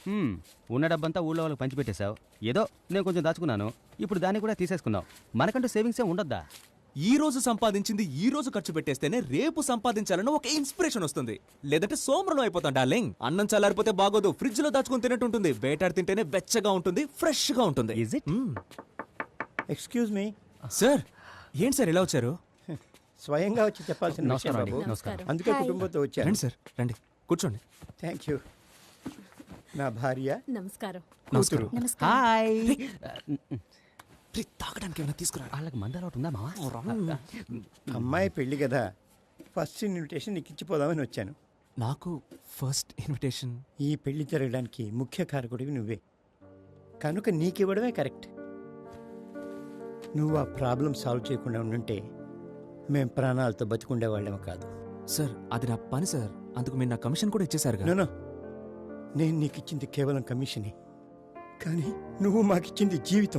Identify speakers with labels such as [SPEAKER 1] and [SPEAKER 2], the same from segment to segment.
[SPEAKER 1] ఉన్న డబ్బంతా ఊళ్ళో వాళ్ళకి పంచిపెట్టేశావు. ఏదో నేను కొంచెం దాచుకున్నాను, ఇప్పుడు దాన్ని కూడా తీసేసుకున్నావు. మనకంటూ సేవింగ్స్ ఏ ఉండొద్దా?
[SPEAKER 2] ఈ రోజు సంపాదించింది ఈ రోజు ఖర్చు పెట్టేస్తేనే రేపు సంపాదించాలని ఒక ఇన్స్పిరేషన్ వస్తుంది. లేదంటే సోమరం అయిపోతాం డార్లింగ్. అన్నం చల్లారిపోతే బాగోదు, ఫ్రిడ్జ్ లో దాచుకుని తినట్టు ఉంటుంది. వేటాడి తింటేనే వెచ్చగా ఉంటుంది, ఫ్రెష్ గా ఉంటుంది.
[SPEAKER 1] Is it?
[SPEAKER 3] Excuse me
[SPEAKER 2] sir, ఏంటి సార్ ఇలా వచ్చారు?
[SPEAKER 3] స్వయంగా వచ్చి చెప్పాల్సిన విషయం
[SPEAKER 1] నమస్కారం అండి.
[SPEAKER 3] బాబు.
[SPEAKER 1] నమస్కారం.
[SPEAKER 3] అందుకే కుటుంబంతో వచ్చాను.
[SPEAKER 2] రండి సార్, రండి కూర్చోండి.
[SPEAKER 3] Thank you. నా భార్య
[SPEAKER 4] నమస్కారం.
[SPEAKER 3] కూతురు.
[SPEAKER 1] హాయ్.
[SPEAKER 2] తాగడానికి ఏమైనా తీసుకురా.
[SPEAKER 1] వాళ్ళకి మంద అలవాటు ఉందా మావా?
[SPEAKER 3] అమ్మాయి పెళ్లి కదా, ఫస్ట్ ఇన్విటేషన్ నీకు ఇచ్చిపోదామని వచ్చాను.
[SPEAKER 2] నాకు ఫస్ట్ ఇన్విటేషన్.
[SPEAKER 3] ఈ పెళ్లి జరగడానికి ముఖ్య కారకుడివి నువ్వే కనుక నీకివ్వడమే కరెక్ట్. నువ్వు ఆ ప్రాబ్లం సాల్వ్ చేయకుండా ఉండుంటే మేం ప్రాణాలతో బతికుండేవాళ్ళేమో కాదు.
[SPEAKER 2] సార్, అది నా పని సార్. అందుకు మీరు నా కమిషన్ కూడా ఇచ్చేసారు.
[SPEAKER 3] నో, నేను నీకు ఇచ్చింది కేవలం కమిషనే, కానీ నువ్వు మాకిచ్చింది జీవితం.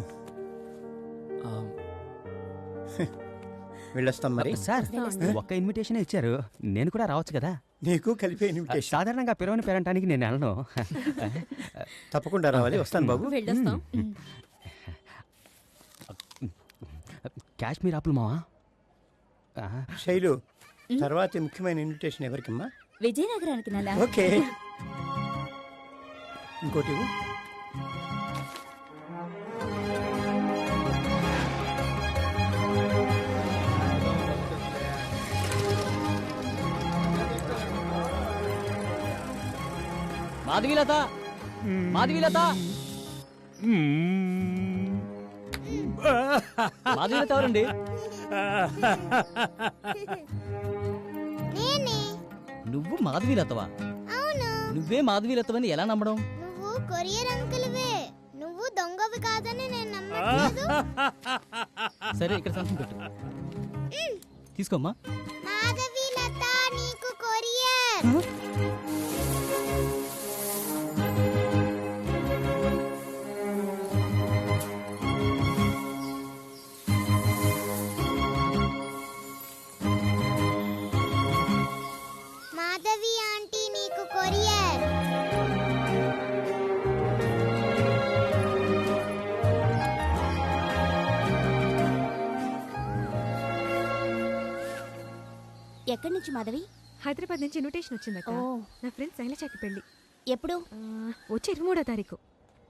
[SPEAKER 3] వెళ్ళొస్తాం మరి.
[SPEAKER 1] సార్, ఒక్క ఇన్విటేషన్ ఇచ్చారు, నేను కూడా రావచ్చు కదా?
[SPEAKER 3] నీకు కలిపే ఇన్విటేషన్.
[SPEAKER 1] సాధారణంగా పిలవని పేరంటానికి నేను వెళ్ళను.
[SPEAKER 3] తప్పకుండా రావాలి. వస్తాను బాబు.
[SPEAKER 4] వెళ్ళొస్తాం.
[SPEAKER 1] కాశ్మీర్ ఆపులు మావా.
[SPEAKER 3] శైలు, తర్వాత ముఖ్యమైన ఇన్విటేషన్ ఎవరికమ్మా?
[SPEAKER 4] విజయనగరానికి నెల.
[SPEAKER 3] ఓకే. ఇంకోటి ఇవ్వు.
[SPEAKER 1] మాధవీలత, మాధవీలత, మాధవీలత ఎవరండి? నువ్వు మాధవీలతవా? నువ్వే మాధవీలతవని ఎలా నమ్మడం?
[SPEAKER 5] నువ్వు కొరియర్ అంకుల్వే. నువ్వు దొంగవి కాదని నేను నమ్మట్లేదు.
[SPEAKER 1] సరే, ఇక్కడ సంతకం పెట్టు. తీసుకోమ్మా.
[SPEAKER 5] మాధవీలత, నీకు కొరియర్. మాధవి ఆంటీ, నీకు కొరియర్.
[SPEAKER 4] ఎక్కడి నుంచి మాధవి?
[SPEAKER 6] హైదరాబాద్ నుంచి ఇన్విటేషన్ వచ్చిందక్క. నా ఫ్రెండ్ శైలజకి పెళ్లి.
[SPEAKER 4] ఎప్పుడు?
[SPEAKER 6] వచ్చే 23వ తారీఖు.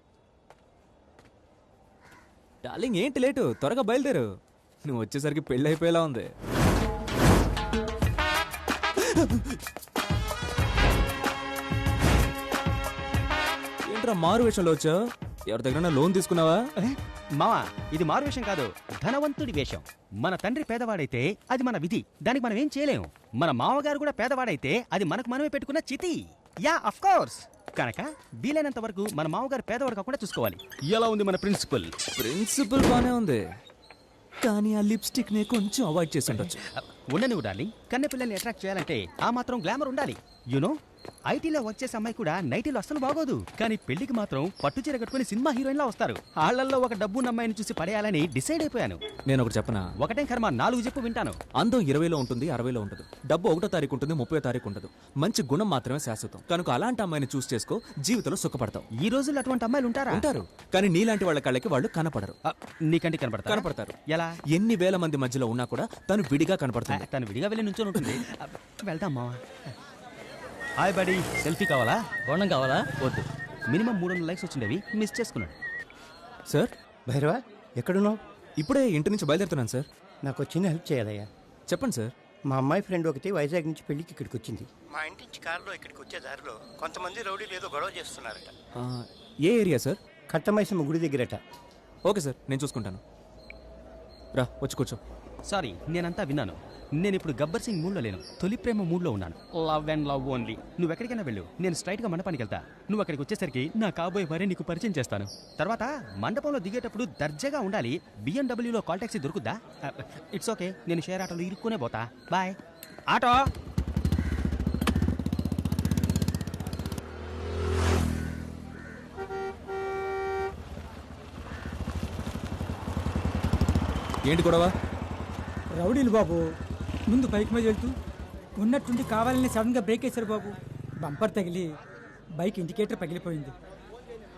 [SPEAKER 2] డార్లింగ్, ఏంటి లేటు? త్వరగా బయలుదేరు. నువ్వు వచ్చేసరికి పెళ్ళి అయిపోయేలా ఉంది. ఏంట్రా మారు వేషంలో వచ్చావు? ఎవరి దగ్గర లోన్ తీసుకున్నావా?
[SPEAKER 1] మావా, ఇది మారు వేషం కాదు, ధనవంతుడి వేషం. మన తండ్రి పేదవాడైతే అది మన విధి, దానికి మనం ఏం చేయలేము. మన మామగారు కూడా పేదవాడైతే అది మనకు మనమే పెట్టుకున్న చితి. Yeah, of course. కనుక వీలైనంత వరకు మన మామగారు పేదవాడు కాకుండా చూసుకోవాలి. ఎలా ఉంది మన ప్రిన్సిపల్?
[SPEAKER 2] ప్రిన్సిపల్ బానే ఉంది, కానీ ఆ లిప్స్టిక్ ని కొంచెం అవాయిడ్ చేసి ఉండొచ్చు.
[SPEAKER 1] ఉండనివ్వు డార్లింగ్, కన్నె పిల్లల్ని అట్రాక్ట్ చేయాలంటే ఆ మాత్రం గ్లామర్ ఉండాలి. యునో, ఐటీలో వర్క్ చేసే అమ్మాయి కూడా నైటీలో అస్సలు బాగోదు, కానీ పెళ్లికి మాత్రం పట్టు చీర కట్టుకుని సినిమా హీరోయిన్ లా వస్తారు. ఆళ్లలో ఒక డబ్బున్న అమ్మాయిని చూసి పడేయాలని డిసైడ్ అయిపోయాను.
[SPEAKER 2] నేను ఒకటి చెప్పనా?
[SPEAKER 1] ఒకటే కర్మ, 4 చెప్పు వింటాను.
[SPEAKER 2] అందం 20లో ఉంటుంది, 60లో ఉండదు. డబ్బు 1వ తారీఖు ఉంటుంది, 30వ తారీఖు ఉండదు. మంచి గుణం మాత్రమే శాశ్వతం. కనుక అలాంటి అమ్మాయిని చూస్ చేసుకో, జీవితంలో సుఖపడతావు.
[SPEAKER 1] ఈ రోజుల్లో అటువంటి అమ్మాయిలు ఉంటారా?
[SPEAKER 2] ఉంటారు, కానీ నీలాంటి వాళ్ళ కళ్ళకి వాళ్ళు కనపడరు.
[SPEAKER 1] నీకంటే
[SPEAKER 2] కనపడతారు.
[SPEAKER 1] ఎలా?
[SPEAKER 2] ఎన్ని వేల మంది మధ్యలో ఉన్నా కూడా తను విడిగా కనపడుతుంది.
[SPEAKER 1] తను విడిగా వెళ్ళి నుంచొని ఉంటుంది. వెళ్దాం మావా. హాయ్ బడీ, సెల్ఫీ కావాలా? బోండం కావాలా? వద్దు. మినిమం 300 లైక్స్ వచ్చిండేవి, మిస్ చేసుకున్నాడు.
[SPEAKER 2] సార్,
[SPEAKER 3] భైరవ, ఎక్కడున్నావు?
[SPEAKER 2] ఇప్పుడే ఇంటి నుంచి బయలుదేరుతున్నాను సార్.
[SPEAKER 3] నాకు చిన్న హెల్ప్ చేయాలయ్యా.
[SPEAKER 2] చెప్పండి సార్.
[SPEAKER 3] మా అమ్మాయి ఫ్రెండ్ ఒకటి వైజాగ్ నుంచి పెళ్లికి ఇక్కడికి వచ్చింది. మా ఇంటి నుంచి కారులో ఇక్కడికి వచ్చే దారిలో కొంతమంది రౌడీలు ఏదో గొడవ చేస్తున్నారట.
[SPEAKER 2] ఏ ఏరియా సార్?
[SPEAKER 3] కట్టమైసమ్మ గుడి దగ్గరట.
[SPEAKER 2] ఓకే సార్, నేను చూసుకుంటాను. రా, వచ్చి కూర్చో.
[SPEAKER 1] సారీ, నేనంతా విన్నాను. నేను ఇప్పుడు గబ్బర్ సింగ్ మూడ్లో లేను, తొలి ప్రేమ మూడ్లో ఉన్నాను. Love and love only. నువ్వు ఎక్కడికైనా వెళ్ళు, నేను స్ట్రైట్ గా మండపానికి వెళ్తా. నువ్వు అక్కడికి వచ్చేసరికి నా కాబోయే భార్య నీకు పరిచయం చేస్తాను. తర్వాత మండపంలో దిగేటప్పుడు దర్జాగా ఉండాలి. BMW కాల్ టాక్సీ దొరుకుద్దా? ఇట్స్ ఓకే, నేను షేర్ ఆటోలో ఇరుక్కునే పోతా. బాయ్. ఆటో.
[SPEAKER 2] ఏంటి గొడవ?
[SPEAKER 7] రౌడీలు బాబు ముందు బైక్ మీద వెళ్తూ ఉన్నట్టుండి కావాలని సడన్గా బ్రేక్ వేశారు బాబు. బంపర్ తగిలి బైక్ ఇండికేటర్ పగిలిపోయింది.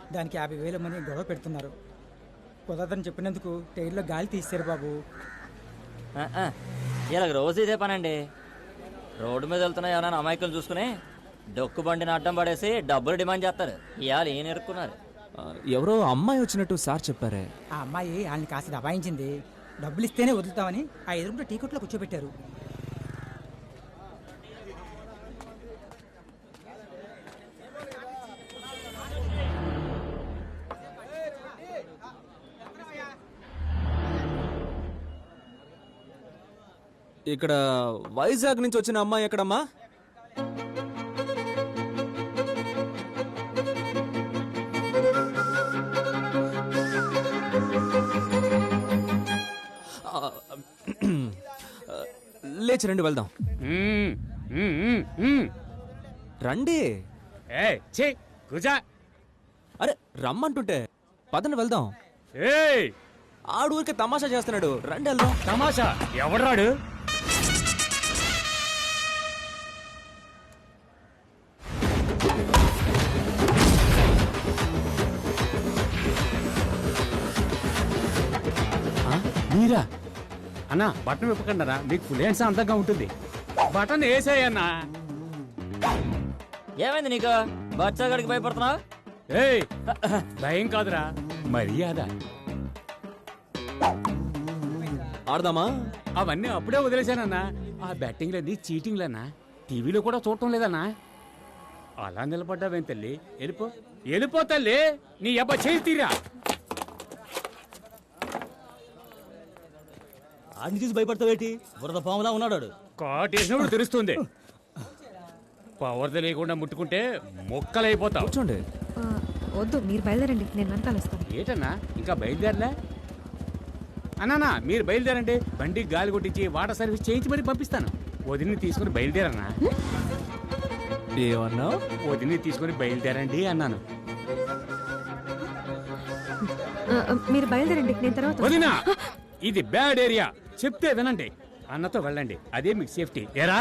[SPEAKER 7] దానికి 50,000 మంది గొడవ పెడుతున్నారు. కుదరదని చెప్పినందుకు టైర్లో గాలి తీశారు బాబు.
[SPEAKER 8] ఇలా రోజు ఇదే పనండి. రోడ్డు మీద వెళ్తున్నా ఎవరైనా అమాయకులు చూసుకుని డొక్కు బండిని అడ్డం పడేసి డబ్బులు డిమాండ్ చేస్తారు. ఇవాళ ఏం ఎరుక్కున్నారు.
[SPEAKER 2] ఎవరో అమ్మాయి వచ్చినట్టు సార్ చెప్పారే.
[SPEAKER 7] ఆ అమ్మాయి వాళ్ళని కాస్త దబాయించింది. డబ్బులు ఇస్తేనే వదులుతామని ఆ ఎదురుంటే టీ కొట్లో కూర్చోబెట్టారు.
[SPEAKER 2] ఇక్కడ వైజాగ్ నుంచి వచ్చిన అమ్మాయి ఎక్కడమ్మా? లేచి రండి వెళ్దాం. రండి. అరే రమ్మంటుంటే పదండి వెళ్దాం. ఆడు ఊరికే తమాషా చేస్తున్నాడు. రండి వెళ్దాం.
[SPEAKER 1] తమాషా ఎవడ్రాడు? మీరా అన్నా? బటన్ విప్పకండి మీకు ఫుల్ హ్యాండ్స్ అందంగా ఉంటుంది. బటన్ వేసేయన్నా.
[SPEAKER 8] ఏమైంది నీకు? బచ్చాగడికి భయపడుతున్నావు?
[SPEAKER 1] ఏయ్ భయం కాదురా, మర్యాద.
[SPEAKER 2] ఆడదామా?
[SPEAKER 1] అవన్నీ అప్పుడే వదిలేశానన్నా. ఆ బ్యాటింగ్లన్నీ చీటింగ్లన్నా. టీవీలో కూడా చూడటం లేదన్నా. అలా నిలబడ్డావేం తల్లి? వెళ్ళిపో తల్లి. నీ అబ్బా చేయి తీరా.
[SPEAKER 8] ఆడిని చూసి భయపడతావేటి? బురద పాములా ఉన్నాడు.
[SPEAKER 1] కాటేసినప్పుడు తెలుస్తుంది. పవర్ తెలియకుండా ముట్టుకుంటే మొక్కలైపోతావు.
[SPEAKER 2] కూర్చోండి.
[SPEAKER 6] వద్దు, మీరు బయలుదేరండి, నేను వెనకాల వస్తాను.
[SPEAKER 1] ఏటన్నా ఇంకా బయలుదేరలే? అన్నానా మీరు బయలుదేరండి. బండి గాలి కొట్టించి వాటర్ సర్వీస్ చేయించి మరీ పంపిస్తాను. వదిని తీసుకుని బయలుదేరన్నా.
[SPEAKER 2] ఏమన్నా?
[SPEAKER 1] వదిని తీసుకుని బయలుదేరండి అన్నాను.
[SPEAKER 6] మీరు బయలుదేరండి, నేను తర్వాత
[SPEAKER 1] వదినా, ఇది బ్యాడ్ ఏరియా. చెప్తే వినండి. అన్నతో వెళ్ళండి, అదే మీకు సేఫ్టీ. ఏరా?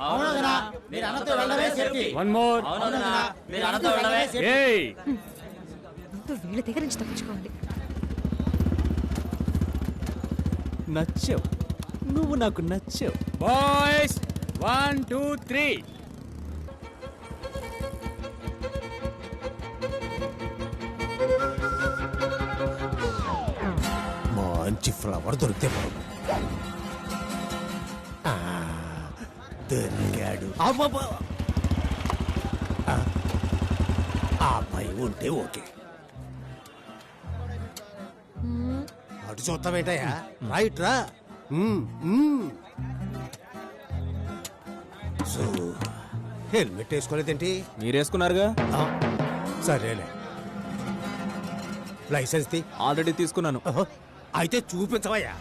[SPEAKER 1] One more. ఏయ్
[SPEAKER 6] వీళ్ళ దగ్గర నుంచి తప్పించుకోవాలి.
[SPEAKER 2] నచ్చావు నువ్వు, నాకు నచ్చావు.
[SPEAKER 1] బాయ్స్ 1 2 3.
[SPEAKER 3] మంచి ఫ్లవర్ దొరికితే బాబు. దొరికాడు. ఆ భయం ఉంటే ఓకే. అటు చూస్తావేటయా? రైట్ రా. సో హెల్మెట్ వేసుకోలేదేంటి?
[SPEAKER 2] మీరేసుకున్నారుగా.
[SPEAKER 3] సరేలే. లైసెన్స్ తీ.
[SPEAKER 2] ఆల్రెడీ తీసుకున్నాను.
[SPEAKER 3] అయితే చూపించవయ్యా.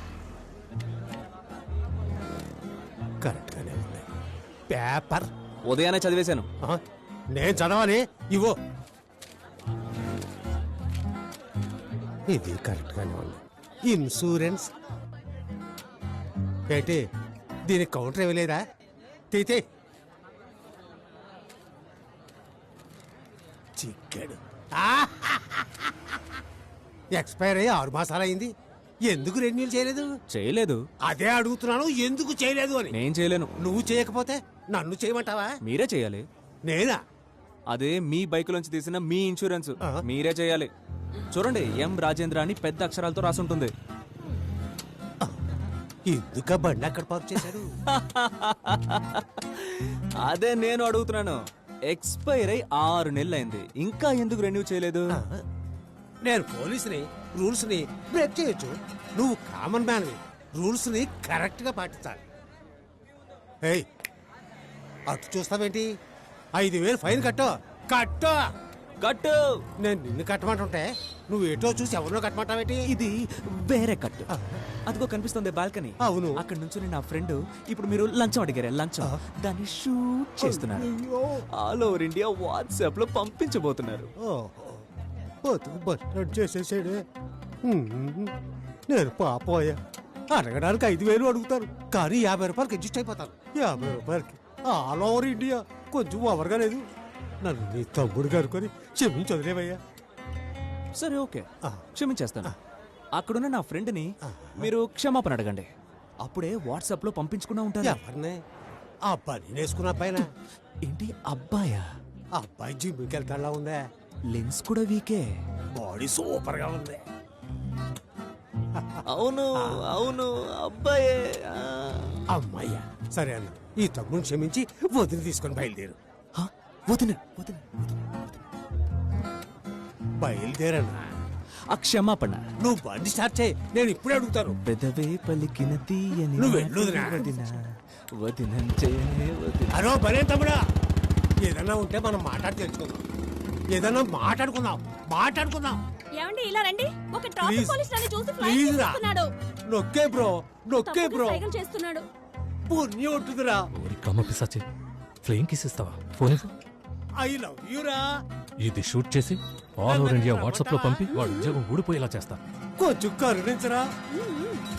[SPEAKER 3] కరెక్ట్ గానే ఉంది. పేపర్
[SPEAKER 2] ఉదయాన్నే చదివేశాను.
[SPEAKER 3] నేను చదవాలి. ఇవో. ఇది కరెక్ట్ గానే ఉంది. ఇన్సూరెన్స్ ఏంటి? దీనికి కౌంటర్ ఇవ్వలేదా? తీతే. చిక్కాడు. ఎక్స్పైర్ అయ్యి 6 మాసాలు అయింది. ఎందుకు రెన్యూల్ చేయలేదు?
[SPEAKER 2] చేయలేదు.
[SPEAKER 3] అదే అడుగుతున్నాను, ఎందుకు చేయలేదు అని.
[SPEAKER 2] నేను చేయలేను.
[SPEAKER 3] నువ్వు చేయకపోతే నన్ను చేయమంటావా?
[SPEAKER 2] మీరే చేయాలి.
[SPEAKER 3] నేనా?
[SPEAKER 2] అదే మీ బైక్ లోంచి తీసిన మీ ఇన్సూరెన్స్ మీరే చేయాలి. చూడండి, ఎం రాజేంద్ర అని పెద్ద అక్షరాలతో రాసుంటుంది.
[SPEAKER 3] ఎందుక బండి అక్కడ పార్క్ చేశారు?
[SPEAKER 2] అదే నేను అడుగుతున్నాను. ఎక్స్పైర్ అయి 6 నెలలు అయింది, ఇంకా ఎందుకు రెన్యూ చేయలేదు?
[SPEAKER 3] నేను పోలీసుని, రూల్స్ ని బ్రేక్ చేయొచ్చు. నువ్వు కామన్ మ్యాన్, రూల్స్ ని కరెక్ట్ గా పాటించాలి. ఏయ్, అటు చూస్తావేంటి? 5,000 ఫైన్ కట్టు. కట్టు.
[SPEAKER 2] కట్టు.
[SPEAKER 3] నేను నిన్ను కట్టమంటుంటే నువ్వు ఎటో చూసి ఎవరినో కట్టమంటావేంటి?
[SPEAKER 2] ఇది వేరే కట్టు. అదిగో కనిపిస్తుంది బాల్కనీ.
[SPEAKER 3] అవును.
[SPEAKER 2] అక్కడ నుంచి నా ఫ్రెండ్ ఇప్పుడు మీరు లంచం అడిగారు, లంచం దాన్ని షూట్ చేస్తున్నారు. ఆల్ ఓవర్ ఇండియా వాట్సాప్ లో పంపించబోతున్నారు.
[SPEAKER 3] బతుకు బట్టడు చేసేసాడే. నేను పాపోయా. అడగడానికి 5,000 అడుగుతారు, కానీ 50 రూపాయలకి అడ్జస్ట్ అయిపోతాను. 50 రూపాయలకి ఆల్ ఓవర్ ఇండియా. కొంచెం ఓవర్గా లేదు. నన్ను నీ తమ్ముడు కనుకొని క్షమించి వదిలేవయ్యా.
[SPEAKER 2] సరే ఓకే
[SPEAKER 3] ఆ.
[SPEAKER 2] క్షమించేస్తాను అక్కడున్న నా ఫ్రెండ్ని మీరు క్షమాపణ అడగండి అప్పుడే వాట్సాప్ లో పంపించుకున్నా ఉంటారు
[SPEAKER 3] ఎవరిని ఆ అబ్బాయి వేసుకున్న పైన
[SPEAKER 2] ఏంటి అబ్బాయా
[SPEAKER 3] ఆ అబ్బాయి జిమ్కి వెళ్తాడా ఉందే
[SPEAKER 2] లెన్స్ కూడా వీకే
[SPEAKER 3] బాడీ సూపర్ గా ఉంది
[SPEAKER 2] అవును అవును అబ్బాయే
[SPEAKER 3] అమ్మాయ్యా సరే అన్న ఈ తమ్ముని క్షమించి వదిలి తీసుకొని బయలుదేరు
[SPEAKER 2] వదిన
[SPEAKER 3] బయలుదేరన్నా
[SPEAKER 2] ఆ క్షమాపణ
[SPEAKER 3] నువ్వు బండి స్టార్ట్ చేయి నేను ఇప్పుడే అడుగుతాను
[SPEAKER 2] పెదవే పలికిన తీయని
[SPEAKER 3] నువ్వు వెళ్ళు వదినా.
[SPEAKER 2] వదినంటే వదిన
[SPEAKER 3] అరో బనే తమ్ముడా ఏదన్నా ఉంటే మనం మాట్లాడి తెలుసుకుందాం ఏదన్నా మాట్లాడుకుందాం
[SPEAKER 4] ఏమండి ఇలా రండి ఒక
[SPEAKER 3] Please.
[SPEAKER 4] ట్రాఫిక్ పోలీస్ నన్ను చూసి ఫ్లైట్
[SPEAKER 3] Please రా.
[SPEAKER 4] చేస్తున్నాడు
[SPEAKER 3] నొక్కే బ్రో
[SPEAKER 4] సైకిల్ చేస్తున్నాడు
[SPEAKER 3] పుణ్యం ఉంటుందిరా
[SPEAKER 9] ఓరి కమ్మ పిశాచి ఫ్లేమ్ కిస్ ఇస్తావా ఫోన్ ఇవ్వు.
[SPEAKER 3] ఐ లవ్ యూరా
[SPEAKER 9] ఇది షూట్ చేసి ఆల్ ఓవర్ ఇండియా వాట్సాప్ లో పంపి వాడు ఉద్యోగం ఊడిపోయేలా చేస్తా
[SPEAKER 3] కొంచెం కరుణించరా